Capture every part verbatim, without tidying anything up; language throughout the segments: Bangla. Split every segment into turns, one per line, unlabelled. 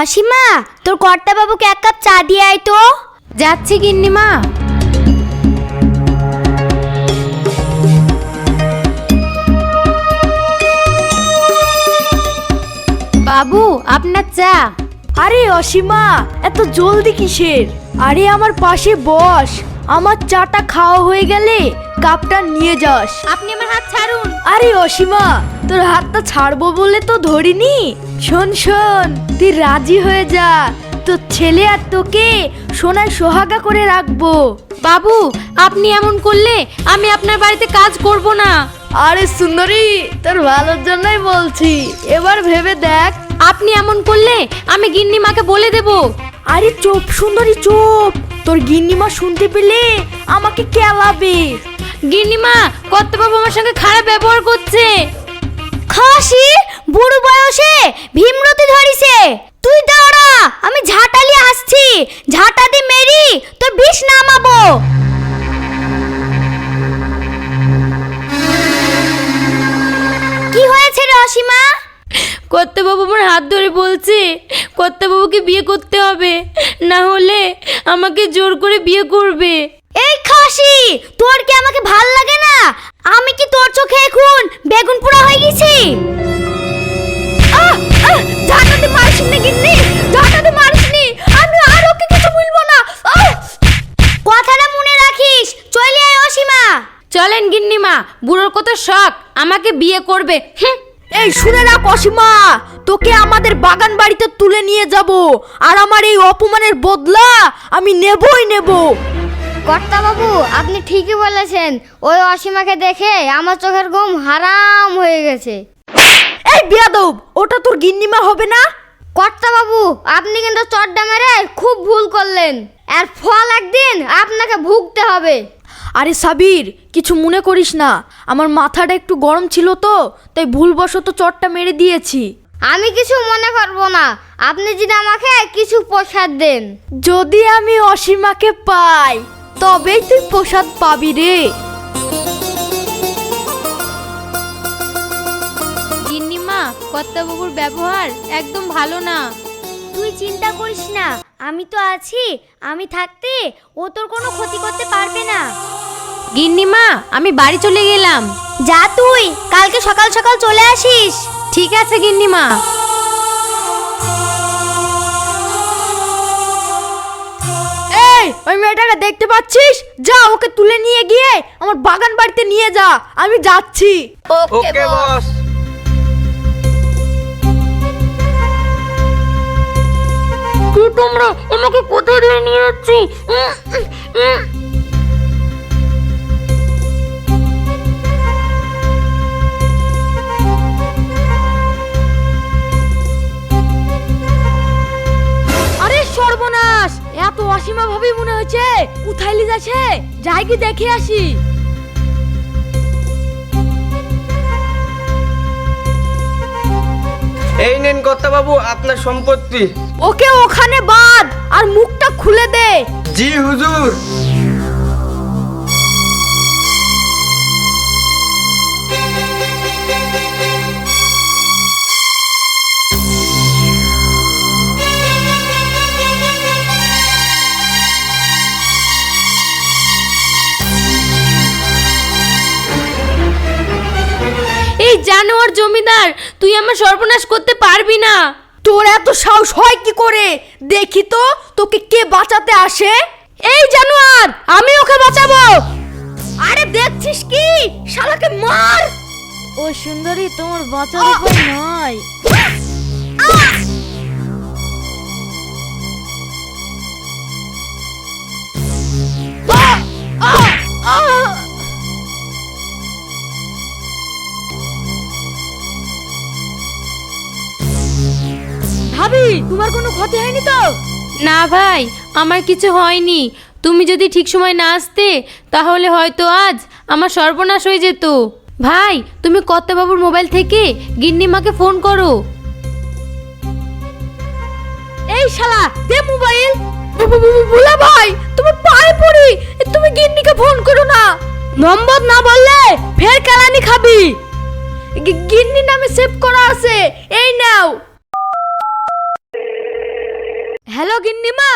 অসীমা, তোর কর্তা বাবুকে এক কাপ চা দিয়ে আয় তো।
যাচ্ছি গিন্নিমা। বাবু, আপনার চা।
আরে অসীমা, এত জলদি কিসের? আরে আমার পাশে বস, আমার চাটা খাওয়া হয়ে গেলে কাপটা নিয়ে যাস।
আপনি আমার হাত ছাড়ুন।
আরে অসীমা, তোর হাতটা ছাড়বো বলে তো ধরিনি। শোন শোন, তুই রাজি হয়ে যা, তোর ছেলে আর তোকে সোনায় সোহাগা করে রাখবো।
বাবু, আপনি এমন করলে আমি আপনার বাড়িতে কাজ করব না।
আরে সুন্দরী, তোর ভালোর জন্যই বলছি, এবার ভেবে দেখ।
আপনি এমন করলে আমি গিন্নিমাকে বলে দেব।
আরে চুপ সুন্দরী চুপ, তোর গিন্নিমা শুনতে পেলে আমাকে কেলাবে।
গিন্নিমা, কর্তাবাবু আমার সঙ্গে খারাপ ব্যবহার করছে।
খাসি বুড়ো বয়সে ভীমরতি ধরিছে। তুই দাঁড়া, আমি ঝাঁটালি আসছি, ঝাঁটা দি মেরি তোর বিষ নামাবো। কি হয়েছে রে অসীমা?
কর্তাবাবু আমার হাত ধরে বলছে কর্তাবাবুকে বিয়ে করতে হবে, না হলে আমাকে জোর করে বিয়ে করবে।
এই খাসি, তোর কি আমাকে ভাল লাগে না? আমি কি তোর চোখে এখন বেগুন পোড়া হয়ে গেছি? আহ আহ ঝাঁটাতে মারিসনি গিন্নি, ঝাঁটাতে মারিসনি, আমি আর ওকে কিছু বলবো না। আহ! কথাটা মনে রাখিস, চলে আয় অসীমা।
চলেন গিন্নিমা, বুড়োর কত শখ আমাকে বিয়ে করবে। হুঁ।
এই শুনে রাখ অসীমা, তোকে আমাদের বাগান বাড়িতে তুলে নিয়ে যাব, আর আমার এই অপমানের বদলা আমি নেবই নেব।
কর্তা বাবু, আপনি ঠিকই বলেছেন, ওই অসীমাকে দেখে আমার চোখের ঘুম হারাম হয়ে গেছে।
এই বিয়াদব, ওটা তোর গিন্নিমা হবে না?
কর্তা বাবু, আপনি কিন্তু চড়টা মেরে খুব ভুল করলেন, এর ফল একদিন আপনাকে ভুগতে হবে।
আরে সাবির, কিছু মনে করিস না, আমার মাথাটা একটু গরম ছিল তো, তাই ভুলবশত চটটা মেরে দিয়েছি।
আমি কিছু মনে করবো না, আপনি যদি আমাকে কিছু প্রসাদ দেন।
যদি আমি অসীমাকে পাই তবেই তুই প্রসাদ পাবি রে।
গিন্নিমা, কর্তাবাবুর ব্যবহার একদম ভালো না।
তুই চিন্তা করিস না, আমি তো আছি, আমি থাকতে ও তোর কোনো ক্ষতি করতে পারবে না।
গিন্নিমা, আমি বাড়ি চলে গেলাম।
যা তুই, কালকে সকাল সকাল চলে আসিস।
ঠিক আছে গিন্নিমা।
এই, ওই মেয়েটাকে দেখতে পাচ্ছিস? যা, ওকে তুলে নিয়ে গিয়ে আমার বাগান বাড়িতে নিয়ে যা, আমি যাচ্ছি।
ওকে বস।
কি তোমরা আমাকে কোথায় ধরে নিয়ে যাচ্ছি?
আরে সর্বনাশ, এত অসীমা ভাবে মনে হচ্ছে কোথায় লি যাচ্ছে, যাই কি দেখে আসি।
এই নেন কর্তাবাবু আপনার সম্পত্তি।
ওকে ওখানে বাঁধ আর মুখটা খুলে দে।
জি হুজুর।
এই জানোয়ার জমিদার, তুই আমার সর্বনাশ করতে পারবি না।
তোর এত সাহস হয় কি করে? দেখি তো তোকে কে বাঁচাতে আসে। এই জানোয়ার, আমি ওকে বাঁচাবো। আরে দেখছিস কি, শালাকে মার। ও সুন্দরী, তোমার বাঁচার উপায় নয়। ভাবি, তোমার কোনো ক্ষতি হয়নি তো?
না ভাই, আমার কিছু হয়নি। তুমি যদি ঠিক সময় না আসতে তাহলে হয়তো আজ আমার সর্বনাশ হয়ে যেত। ভাই, তুমি কর্তাবাবুর মোবাইল থেকে গিন্নিমাকে ফোন করো।
এই শালা, দে মোবাইল। ভোলা ভাই, তুমি পায়ে পড়ি, তুমি গিন্নিকে ফোন করো না। নম্বর না বললে ফের কেলানি খাবি। গিন্নি নামে সেভ করা আছে, এই নাও। হ্যালো গিন্নিমা।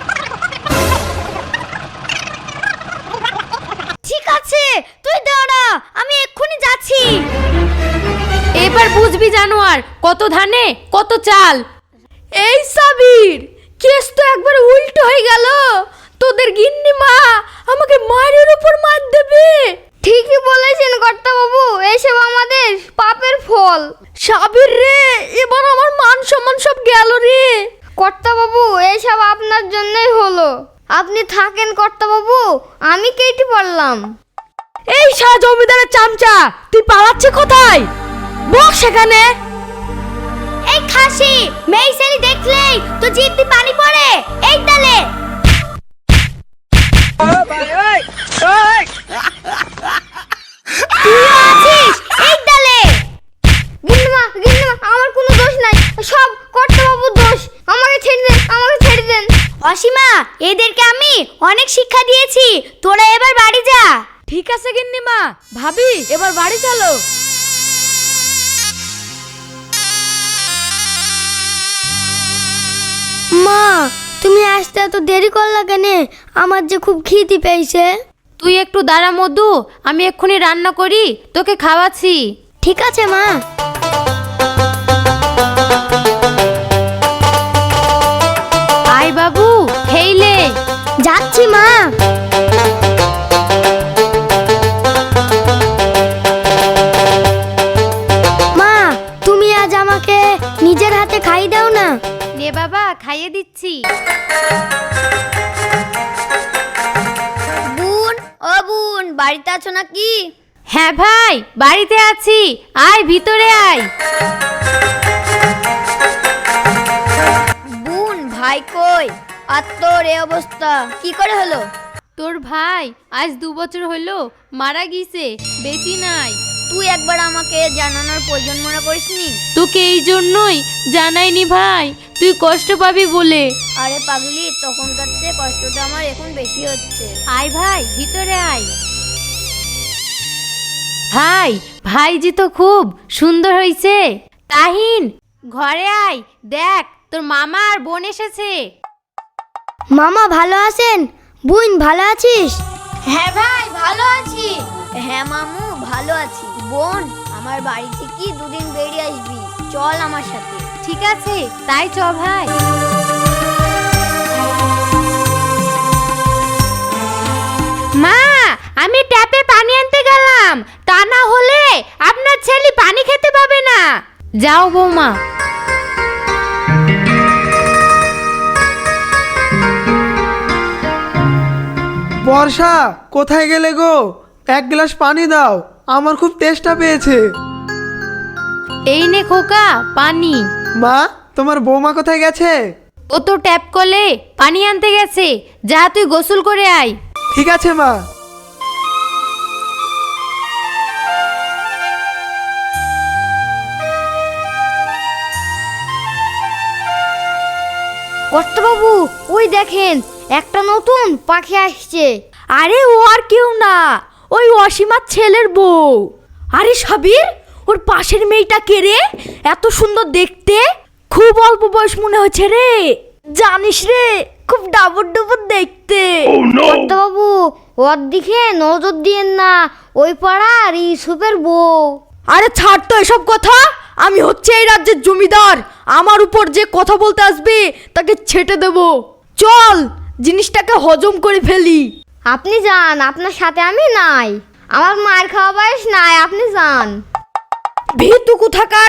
ঠিক আছে তুই দাঁড়া, আমি এক্ষুনি যাচ্ছি।
এবার বুঝবি জানোয়ার, কত ধানে কত চাল।
এই সাবির, কেস তো একবার উল্টো হয়ে গেল। তোদের গিন্নিমা আমাকে মারের উপর মার দেবে।
ঠিকই বলেছেন কর্তা বাবু, এইসব আমাদের পাপের ফল।
সাবির রে, এবার আমার মান সম্মান সব গেল রে।
কর্তা বাবু এইসব আপনার জন্যই হলো। আপনি থাকেন কর্তা বাবু, আমি কেটে পড়লাম।
এই শাহ জমিদারের চামচা, তুই পালাচ্ছিস কোথায়? বস সেখানে।
এই খাসি, মেয়ে ছেলে দেখলেই তো জিভ দিয়ে পানি পড়ে। এই তালে তুই আছিস এই তালে। গিন্নিমা গিন্নিমা, আমার কোনো দোষ নাই, সব কর্তা বাবুর দোষ। আমাকে ছেড়ে দেন, আমাকে ছেড়ে দেন। অসীমা, এদেরকে আমি অনেক শিক্ষা দিয়েছি, তোরা এবার বাড়ি যা।
ঠিক আছে গিন্নিমা, ভাবি এবার বাড়ি চলো।
মা, তুমি আসতে এত দেরি করলা কেন? আমার যে খুব খিদে পেয়েছে।
তুই একটু দাঁড়া মধু, আমি এক্ষুনি রান্না করি, তোকে খাওয়াচ্ছি।
ঠিক আছে মা।
আয় বাবু, খেইলে।
যাচ্ছি মা। মা, তুমি আজ আমাকে নিজের হাতে খাই দাও না।
নে বাবা, খাইয়ে দিচ্ছি।
বুন, ও বুন, বাড়িতে আছো নাকি?
হ্যাঁ ভাই, বাড়িতে আছি, আয় ভিতরে আয়।
বুন, ভাই কই? আর তোর এই অবস্থা কি করে হলো?
তোর ভাই আজ দু বছর হলো মারা গিয়েছে, বেঁচে নাই।
তুই একবার আমাকে জানানোর প্রয়োজন মনে করিসনি?
তোকে এই জন্যই জানাইনি ভাই, তুই কষ্ট পাবি বলে।
আরে পাগলি, তখনকার চেয়ে কষ্টটা আমার এখন বেশি হচ্ছে।
আয় ভাই, ভিতরে আয়। ভাই, ভাইজি তো খুব সুন্দর হয়েছে। তাহিন, ঘরে আয়, দেখ তোর মামা আর বোন এসেছে।
মামা ভালো আছেন? বোন ভালো আছিস? হ্যাঁ ভাই, ভালো আছি। হ্যাঁ মামু, ভালো আছি। বোন, আমার বাড়ি থেকে দুদিন বেরিয়ে আসবি, চল আমার সাথে।
ঠিক আছে, তাই চ ভাই। মা, আমি ট্যাপে পানি আনতে গেলাম, তা না হলে আপনার ছেলে পানি খেতে পাবে না। যাও বৌমা।
বর্ষা, কোথায় গেলে গো? এক গ্লাস পানি দাও, আমার খুব তেষ্টা পেয়েছে।
এই নে খোকা পানি।
মা, তোমার বৌমা কোথায় গেছে?
ও তো ট্যাপ কলে পানি আনতে গেছে, যা তুই গোসল করে আয়।
ঠিক আছে মা।
কর্তাবাবু, ওই দেখেন একটা নতুন পাখি আসছে।
আরে ও আর কেউ না, ওই অসীমার ছেলের বউ। আরে সাবির, ওর পাশের মেয়েটা কে রে? এত সুন্দর দেখতে, খুব অল্প বয়স মনে হচ্ছে রে। জানিস রে, খুব ডাবর ডাবর দেখতে।
কর্তাবাবু, ওর দিকে নজর দিয়েন না, ওই পাড়ার ইউসুফের বউ।
আরে ছাড় তো এসব কথা, আমি হচ্ছে এই রাজ্যের জমিদার। আমার উপর যে কথা বলতে আসবে তাকে ছেটে দেব। চল, জিনিসটাকে হজম করে ফেলি।
আপনি যান, আপনার সাথে আমি নাই। আমার মার খাওয়া বয়স নাই, আপনি যান।
ভীতু কোথাকার।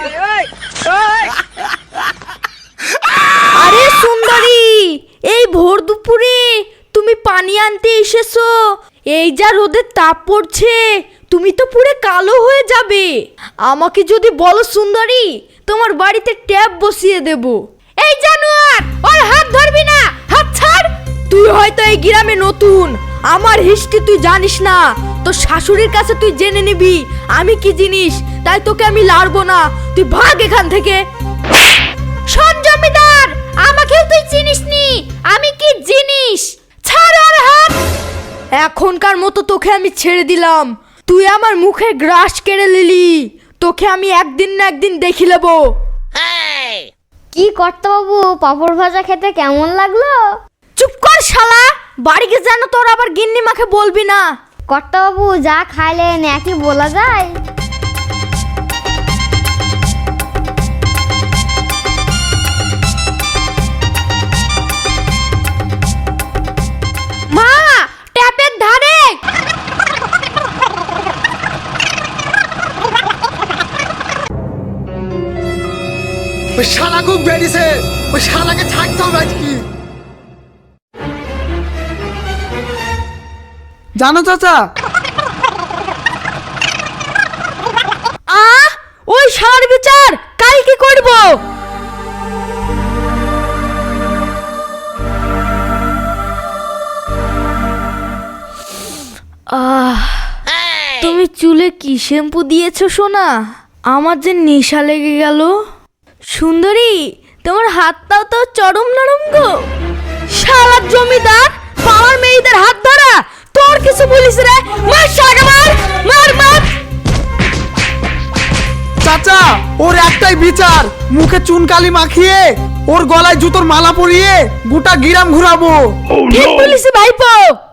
আরে সুন্দরী, এই ভোর দুপুরে তুমি পানি আনতে এসেছো? এই যা রোদের তাপ পড়ছে, তুমি তো পুরো কালো হয়ে যাবে। আমাকে যদি বলো সুন্দরী, তোমার বাড়িতে ট্যাপ বসিয়ে দেব। এই জানোয়ার, ওর হাত ধরবি না, হাত ছাড়। তুই হয়তো এই গ্রামে নতুন, আমার হিস্ট্রি তুই জানিস না। তোর শাশুড়ির কাছে তুই জেনে নিবি আমি কি জিনিস, তাই তোকে আমি লাড়বো না। তুই ভাগ এখান থেকে। শোন জমিদার, আমাকেও তুই চিনিস নি, আমি কি জিনিস। ছাড় ওর হাত। এখনকার মতো তোকে আমি ছেড়ে দিলাম। তুই আমার মুখে গ্রাস কেড়ে নিলি, তোকে আমি একদিন না একদিন দেখি নেবো।
কি কর্তা বাবু, পাপড় ভাজা খেতে কেমন লাগলো?
চুপ কর শালা, বাড়ি গিয়ে যেন তোর আবার গিন্নি মাকে বলবি না।
কর্তা বাবু যা খাইলেন একই বলা যায়?
মা, ট্যাপের ধারে।
ওই শালা খুব বেরিয়েছে, ওই শালাকে ছাড়তে হবে আজকে। জানো চাচা,
আ ওই শালার বিচার কাল কি করব? আহ, তুমি চুলে কি শ্যাম্পু দিয়েছো সোনা? আমার যে নেশা লেগে গেল। সুন্দরী, তোমার হাতটাও তো চরম নরম গো। শালার জমিদার পাওয়ার মেয়েদের হাত ধরা, তোর কিছু বলিস রে? মার শালাকে, মার মার মার।
চাচা ওর একটাই বিচার, মুখে চুনকালি মাখিয়ে ওর গলায় জুতোর মালা পরিয়ে গোটা গিরাম ঘুরাবো।
ঠিক বলিস ভাইপো।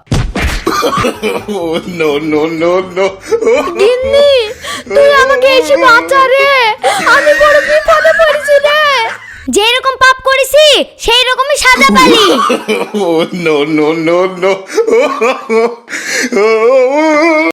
no, no, no, no.
গিন্নি, তুই আমাকে এসে বাঁচা রে, আমি বড় বিপদে পড়েছি রে।
যেরকম পাপ করেছি সেই রকমই সাজা পালি।
Oh, no, no, no, no.